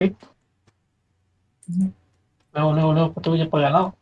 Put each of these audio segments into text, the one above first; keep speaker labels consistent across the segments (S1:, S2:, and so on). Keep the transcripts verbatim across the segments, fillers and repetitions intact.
S1: เร็วเร็วเร็วประตูจะเปิดแล้ว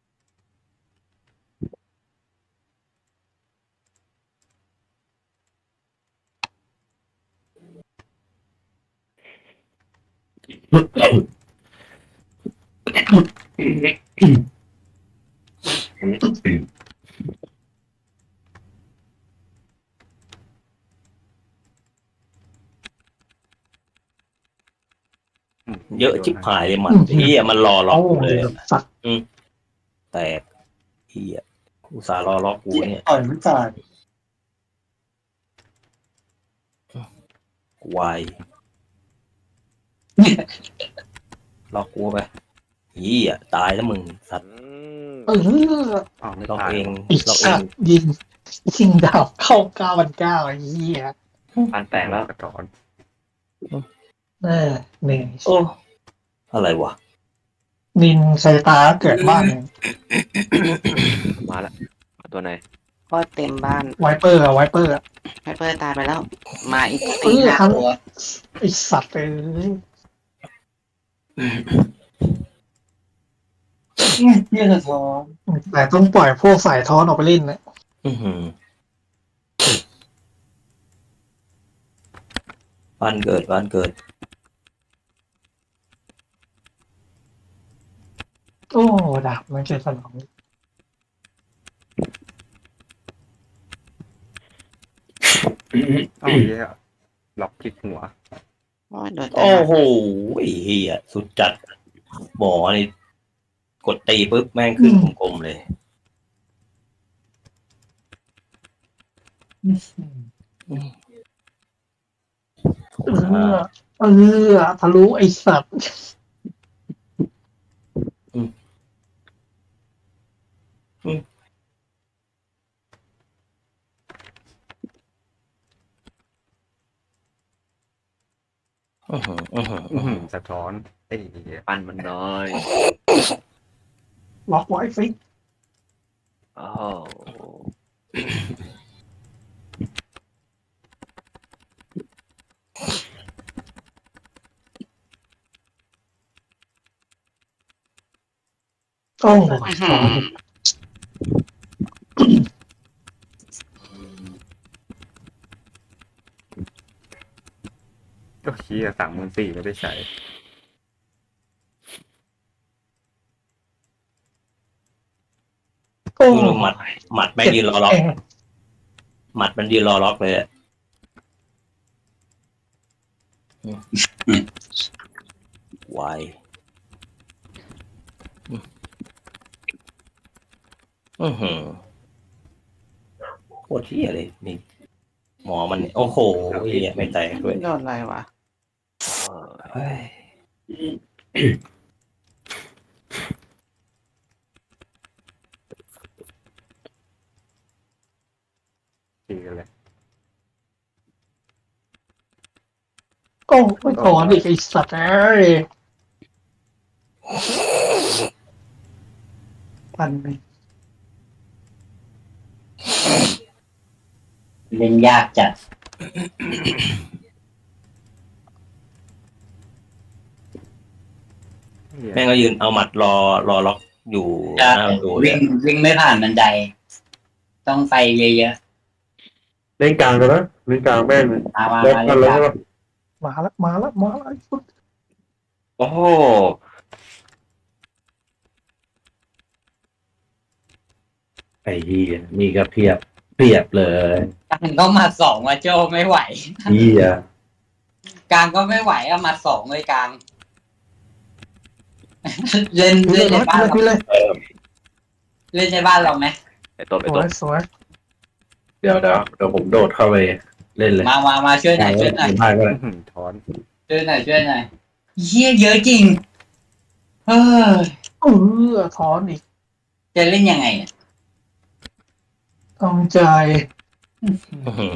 S2: เยอะชิบหายเลยมันเฮียมันรอล็อกกูเลย
S1: สัตว์
S2: อืมแตกเฮียอุตส่าห์รอล็อกกูเนี่ย
S1: ต่อยไม่จ่าย
S2: วายล็อกกูไปเฮียตายแล้วมึงสัตว์
S1: เออ
S3: อ๋อไม่
S2: ล็อก
S3: ตาย
S2: เอง
S1: อีก
S2: ล็อกเอ
S1: สั
S2: ง
S1: ตว์ยิงยิงดาวเข้าเก้าพันเก้าไอ้เหี้ย
S3: ปันแตกแล้วกระถอน
S1: เออหนึ่ง
S2: โอ้อะไรวะ
S1: นินไซตาเกิดบ้านหนึ่ง
S3: มาละตัวไหน
S4: ก็เต็มบ้าน
S1: ไวเปอร์อะไวเปอร์อะ
S4: ไฮเปอร์ตายไปแล้ว มาอีก
S1: เอ
S4: สี่
S1: อ
S4: ห้า
S1: ทัน
S4: ตัว
S1: ไอสัตว์เอ้ย
S4: เนี่ยสะท้อน
S1: แต่ต้องปล่อยพวกสายท้อนออกไปเล่นนะ
S2: อื้อหือบ้านเกิดบ้านเกิด
S1: โอ้ดาบมันเกิดสนอง
S3: เอ้าเหี้ยล็อกคลิกหัว
S4: โอ้ยโดน
S2: โอ้โหไอ้เฮียสุดจัดหมอนี่กดตีปุ๊บแม่งขึ้นกลมๆเลย
S1: เออเออทะลุไอสัตว์
S2: อื้อหืออื้อหือ
S3: อื้
S2: อื้
S3: อ
S2: อ
S3: หื
S2: หื
S3: อ
S2: อ
S3: สะท้อนไอ้เหี้ยปันมันน้อย
S1: ล็อกไว้ฟิก
S3: โอ้
S1: โอ้ยถอน
S3: ก็เชี่ยสามหมื่นสี่ไม่ได้ใช้
S1: โอ้
S2: ดูหมัดหมัดแม่งยืนรอล็อกหมัดมันยืนรอล็อกเลยอะวายอือหือโคตรเที่ยเลยนี่หมอมันโอ้โหเฮียไม่แตกด้วย
S4: โดนอะไรวะ
S2: เฮ้ย
S3: ตีกันเลย
S1: โอ้ไม่ถอนอีกไอสัตว์เอ้ยพันหนึ่ง
S4: เล่นยากจัด
S2: แม่งก็ยืนเอาหมัดรอรอล็อกอยู่ห
S4: จะ
S2: น้าประตูเล
S4: วิ่
S2: ย
S4: งวิ่งไม่ผ่านบันได ต้องไฟเยอะ
S5: เล่นกลางกันนะเล่นกลางแม่งเลย
S4: ๆมามา
S5: ล็อก
S4: มา
S5: กั
S4: เล่
S5: น
S4: น
S5: แล้ว
S4: กั
S5: ใช่
S4: น
S5: ปะ
S1: มาแล้วมาแล้วมาแล้วไอ้ฟุต
S2: โอ้โห
S5: ไอ้เหี้ยนี่ก็เพียบเพียบเลย
S4: กลางก็มาสองมาโจไม่ไหว
S5: เหี้ย
S4: กลางก็ไม่ไหวอะมาสองเลยกลาง เล่น
S1: พี่เล
S4: เล่
S1: ย
S4: นในบ้านเรา
S1: พี่เลย
S4: เล่นในบ้านเราไหม
S3: ไอ้ต้น
S1: ส
S3: ไอ้
S1: ว
S3: ต้
S1: ย
S3: น
S1: สวย
S5: เดี๋ยวเดี๋ยวเดี๋ยวผมโดดเข้าไปเล่นเลย
S4: มามามาช่วยหน่อยช่วยหน่อย
S5: ได้ก็ได้
S3: อื้อหือถอน
S4: ช่วยหน่อยช่วยหน่อยเฮียเยอะจริงเฮ้ย
S1: เออถอนอีก
S4: จะเล่นยังไงเนี่ย
S1: ต้องใจ
S2: อื้อหือ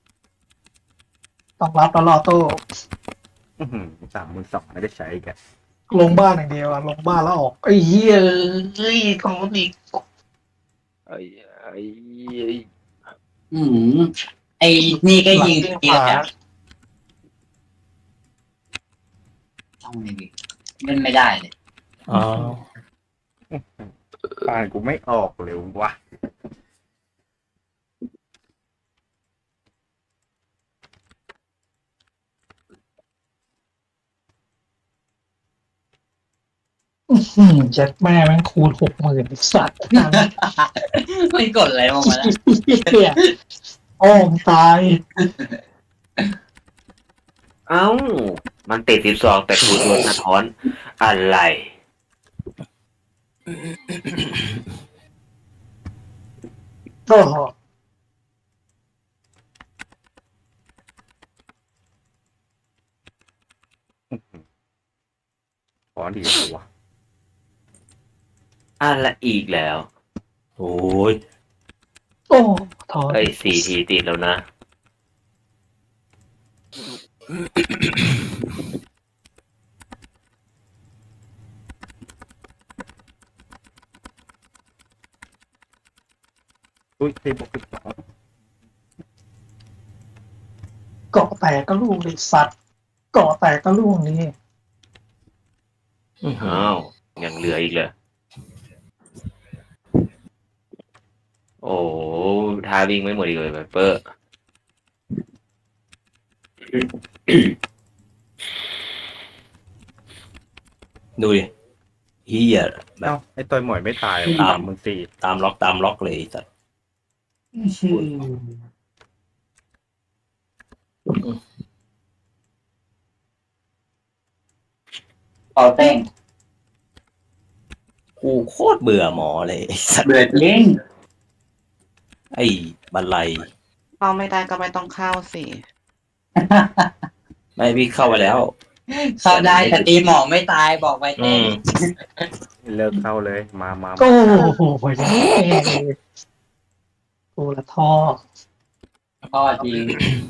S1: ต้องรับแล้วรอโต้
S3: อื้อหือสามหมื่นสองไม่ได้ใช้แก
S1: ลงบ้านอย่างเดียวอะลงบ้านแล้วออกไอ้เหี้ยเอ้ยถอนอีก
S3: ไอ้ไอ้
S4: อืมไอ้นี่ก็ยิง
S1: หลั
S4: เกียร์
S1: ข
S4: แบ
S1: วา
S4: บถเอาไงดีเล่นไม่ได้เลย
S2: อ๋อ
S3: อ่านกูไม่ออกเลยวะ
S1: อืมเจ็ดแม่แม่งคูณหกหมื่นสัตว์
S4: ไม่กดอะไรลงมาแล้ว
S1: เฮียโอ้มตาย
S5: เอ้า มันติดสิบสองแต่กูโดนสะท้อนอะไร
S1: โอ้โห
S3: ขอดีกว่าวะ
S5: อะไรอีกแล้ว
S2: โอ้ย
S1: โอ้ถอน
S5: เอ้ยสี่ทีติดแล้วนะ
S3: อุ้ยที่บอกสิบสอง
S1: เกาะแตกก็ลูกเลยสัตว์เกาะแตกก็ลูกนี้
S2: อื้อหือ
S5: อ้าว ยังเหลืออีกเหรอโอ้ทาวิ่งไม่หมดอีกเลยไวเปอร์
S2: ดูดิเฮียแบ
S3: เอ้า
S2: บ
S3: ไอ้ตัวหมวยไม่ตาย
S2: ตาม
S3: สามหมื่นสี่
S2: ตามล็อกตามล็อกเลยไอ้สัตว์
S4: เป่าเต้ง
S2: กูโคตรเบื่อหมอเลยไอ้สัตว์
S4: เบื่อจริง
S2: ไอ้บันไล
S6: เข้าไม่ได้ก็ไม่ต้องเข้าสิ
S2: ไม่พี่เข้าไปแล้ว
S4: เข้าได้แต่ตีหมอไม่ตายบอกไว้
S2: อื
S4: เต้ง
S2: ม
S3: เลิกเข้าเลย มามา
S1: โอ้โหโอ้ยโอ้ละท่อ
S4: พ่อจริง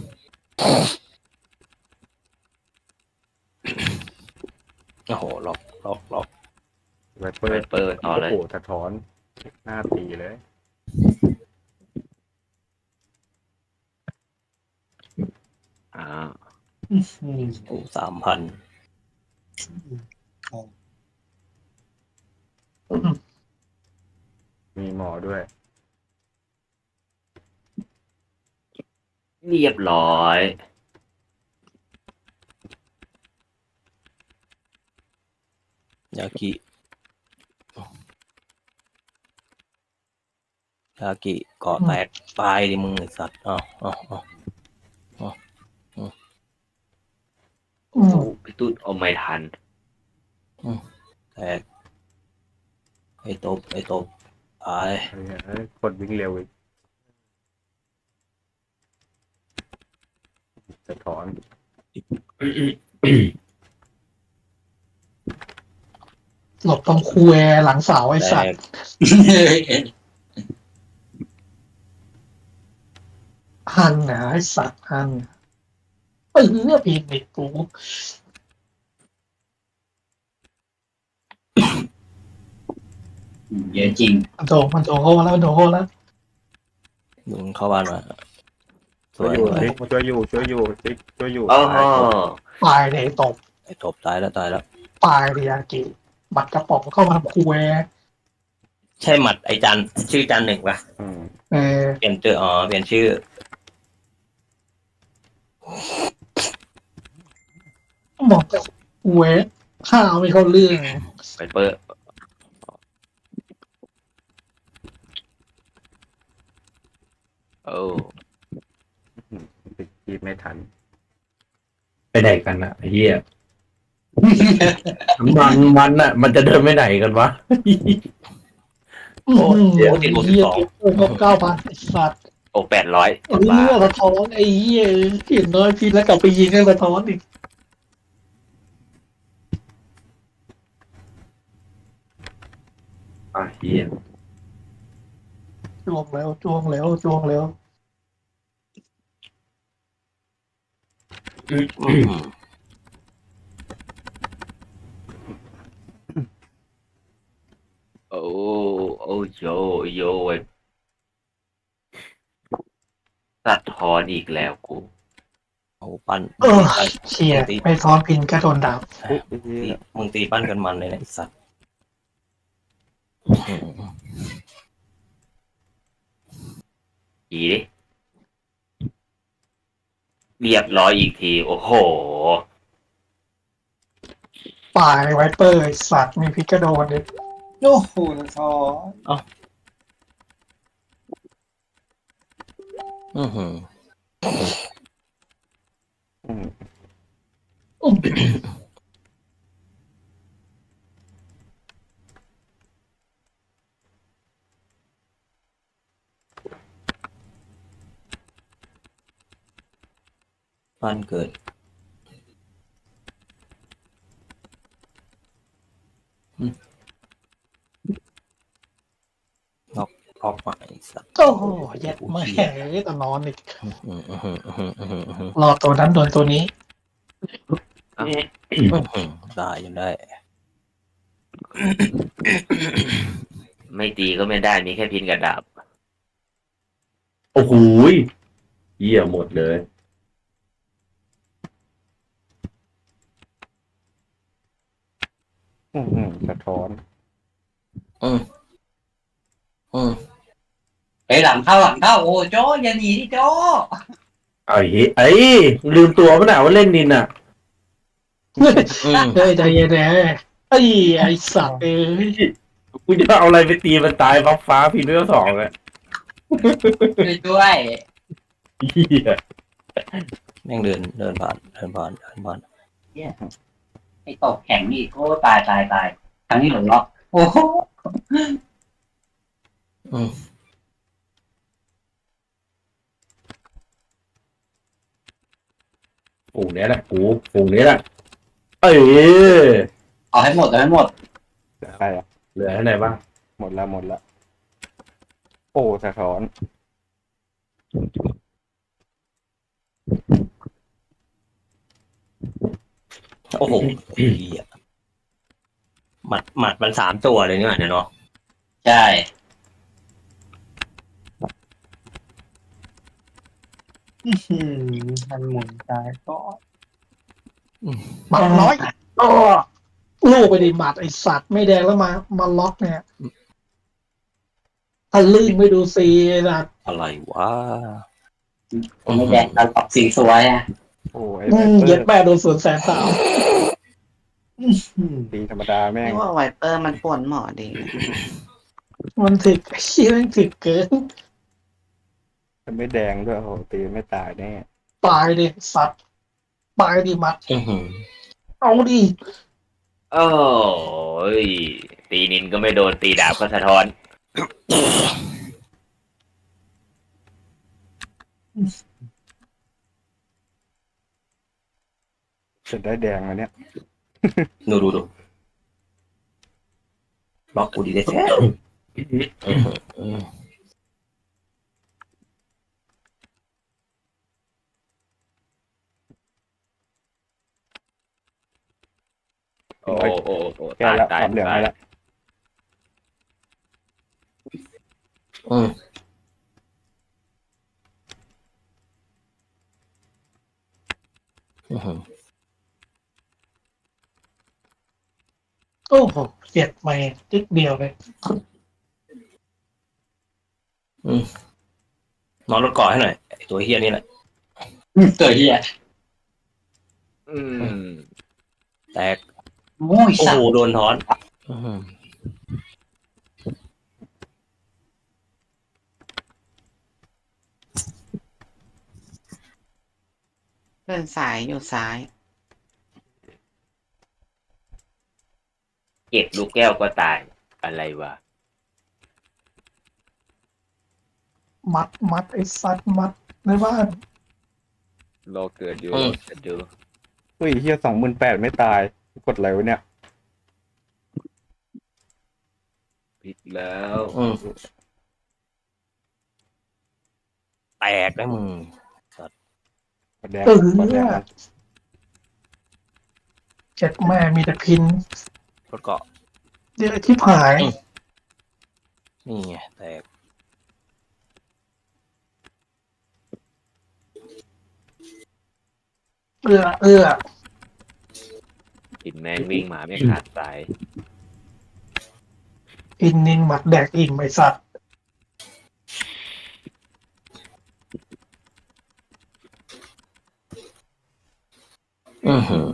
S2: โอ้โหล็อกล็อกล็อก
S3: ไวเป
S5: ไว
S3: อร์
S5: เปอร์ต่อเลย
S3: โอ้โหสะท้อนหน้าตีเลย
S5: อ้าว
S2: โอ้สามพัน
S3: มีหมอด้วย
S5: เรียบร้อย
S2: ยากิยากิเกาะแตกตายดิมึงไอ้สัตว์อ้าวอ้าวอ้าว
S1: อืม
S5: โอ้พี่ตุ้นเอาไม่ทัน
S2: แตกไอ้ตบไอ้ตบตาย
S3: เฮ้ยเฮ้ยกดวิ่งเร็วอีกสะท้อน
S1: หลบตรงคูแอร์หลังเสาไอ้
S2: แต
S1: สัต
S2: ก
S1: ว์หันนะไอ้สัตว์หันเออพีนอีกกู
S4: เยอะจริง
S1: มันโถมันโถโหแล้วมันโถโหแล้ว
S2: มึงเข้าบ้านมาส
S3: ช่ว
S2: วย ย
S3: อยู่
S2: สวย
S3: สิช่วยอยู่ช่วยอยู่สิช่วยอยู่
S5: โอ้โห
S3: ตาย
S1: ตายเลยตก
S2: ไอ้ตบตายแล้วตายแล้ว
S1: ตายเลยยากิบัตรกระป๋องเข้ามาทำคูแอร์
S2: ใช่หมัดไอ้จันชื่อจันหนึ่งปะ
S3: อืม
S1: เออ
S2: เปลี่ยนชื่ออ๋อเปลี่ยนชื่อ
S1: บอกกับคูแอร์ข้าวไม่เข้าเรื่อง
S5: ไวเปอร์ โอ้
S3: ติดกีบไม่ทัน
S5: ไปไหนกันอะไอ้เหี้ยมันมันอะมันจะเดินไปไหนกันวะ
S2: โอ้เดี๋ยวติดบวกสิบ
S1: เหี้ย
S2: สอง
S1: โอ้โหเก้าพันสัตว์
S5: โอ้แปดร้อย
S1: เออสะท้อนไอ้เหี้ยเห็นน้อยพีแล้วกลับไปยิงให้สะท้อนอีก
S5: อ่ะเหี้ย
S1: จ้วงแล้วจ้วงแล้วจ้วงแล้ว
S2: อืม
S5: โอ้โอ้โยโยไวสะท้อนอีกแล้วกู
S2: โอ้ไปปั้น
S1: เออ
S2: ปั้น
S1: เชี่ย
S2: มึงตี
S1: ไม่ซ้อนพินก็โดนดาบ
S3: อุ๊ยไอ้เหี้
S2: ตี
S3: ย
S2: มึงตีปั้นกันมันเลยนะไอ้สัตว์อื้อหือ
S5: อีดิเรียบร้อยอีกที โอ้โห
S1: ป่าในไวเปอร์ไอ้สัตว์มีพิกก็โดนดิ
S4: โอ้โหสะท้อน
S2: อื้อหือ
S3: อืม
S1: อุ๊ย
S2: ปั้นเกิดอืมล็อกล็อกมาไอ้สัตว์
S1: โอ้โหเย็ดไม่แห้งเลยแต่นอนอีก
S2: อื้อหืออื้อหืออื้อหืออื้อหืออื้อหือ
S1: รอตัวนั้นโดนตัวนี้
S2: อื้อหือได้ยังได้
S5: ไม่ตีก็ไม่ได้ มีแค่พินกับดาบ
S7: โอ้โหยเหี้ยหมดเลย
S3: อืมอืมสะท้อน
S2: อืมอืม
S4: ไปหลังเข้าหลังเข้าโอ้โจอย่าหนีดิโจ
S7: เอาเฮ้ยไอ้ยลืมตัวปะน่ะว่าเล่นนินอ่ะ
S2: อืม
S1: เฮ้ยใจเย็นเลยไอ้ไอ้สัตว์เอ้ย
S7: กูจะเอาอะไรไปตีมันตายฟ้าฟ้าพีเรื่องสองเลย
S4: ช่วยด้วย
S7: เหี้ย
S2: แม่งเดินเดินผ่านเดินผ่านเดินผ่าน
S4: ไอ้ตกแข็งนี่โอ้ตายตายตายครั้งนี้หล่นล็อกโอ้โห
S2: อืม
S7: ฝูงเนี้ยแหละกูฝูงเนี้ยแหละเอ้ย
S4: เอาให้หมดเอาให้หมด
S3: เหลือใครอ่ะ
S7: เหลือให้ไหนบ้าง
S3: หมดละหมดละโอ้สะท้อน
S2: โอ้โหไอ้เหี้ยหมัดหมัดมันสามตัวเลยเนี่ยเนาะ
S4: ใช่
S1: อืมมันหมุนตายก็หมัดน้อยโอ้ลูกไปดิหมัดไอ้สัตว์ไม่แดงแล้วมามาล็อกเนี่ยถ้าลื่นไม่ดูซีนะ
S2: อะไรวะ
S4: ไม่แดงเราปรับสีสวยอ่ะ
S3: โอ้ไอ้
S1: อื
S3: ไว
S1: ม
S3: เปอ
S1: เย็ด
S3: ร์
S1: แม่โดนสวนแสนสามอืม
S3: ตีธรรมดาแม่ง
S6: นี่ว่าไวเปอร์มันป่วนหมอดี
S1: มันถึกไอ้เชี่ยมันถึกเกิน
S3: จะไม่แดงด้วยโอ้โหตีไม่ตายแน่
S1: ตายดิสัตว์ตายดิมัด
S2: อื้อหือ
S1: เอาดิ
S5: โอ้ย ตีนินก็ไม่โดน ตีดาบก็สะท้อน
S3: จะได้แดงอันเนี้ย
S2: ดูดูดูล็อกกูดีได้แท้อื้อหืออืม
S5: โอ้โอ้โอ้
S3: แก้
S5: ตาย
S3: แล้ว
S5: ตาย
S3: ปรับเหลือง
S5: ตา
S3: ให้
S5: ย
S3: แล้ว
S2: อืมอื้อหือ
S1: โอ้โหเจ็ดไม่จิ๊กเดียวเลย
S2: นอนรถก่อให้หน่อยไอ้ตัวเฮี้ยนี่แหละ
S4: ตัวเฮีย
S5: อืม
S2: แตก
S4: โอ้ย
S2: โอ้
S4: สัต
S2: โห
S4: ว์
S2: โดนถอนอื้อหือ
S6: เดินสายอยู่ซ้าย
S5: เก็บลูกแก้วก็ตาย อะไรวะ
S1: มัดมัดไอ้สัตว์มัดในบ้าน
S5: รอเกิดอยู่
S2: อืม
S5: เกิดอยู่
S3: อุ้ยเฮียสองหมื่นแปดไม่ตายกดอะไรวะเนี่ย
S5: ผิดแล้ว
S2: อืมแตกนะมึง
S3: กดแดง
S1: เออก
S3: ดแดงมัน
S1: เจ็ดแม่มีแต่พิน
S2: รถเกาะ
S1: เดี๋ยวที่หาย
S2: นี่ไงแตก
S1: เอื้อเอื้อ
S5: กินแม่งวิ่งมาไม่ขาดสาย
S1: อินนินหมัดแดกอิ่มไอสัตว์
S2: อือหือ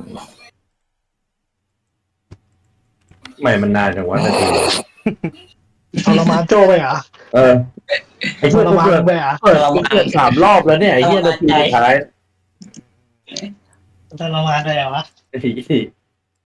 S7: ไม่มันนานจังวะนาที
S1: ทรมานโจไปเหรอ
S7: เออไอ้
S1: ท
S7: เหี้ย
S1: ร
S7: กู
S1: มาน
S7: เกิด
S1: ไปเหรอ
S7: เปิดกูเกิดสามรอบแล้วเนี่ยไอ้เหี้ยนาทีสุดท้าย
S1: ทรมานไปเหรอวะ
S7: ไอ้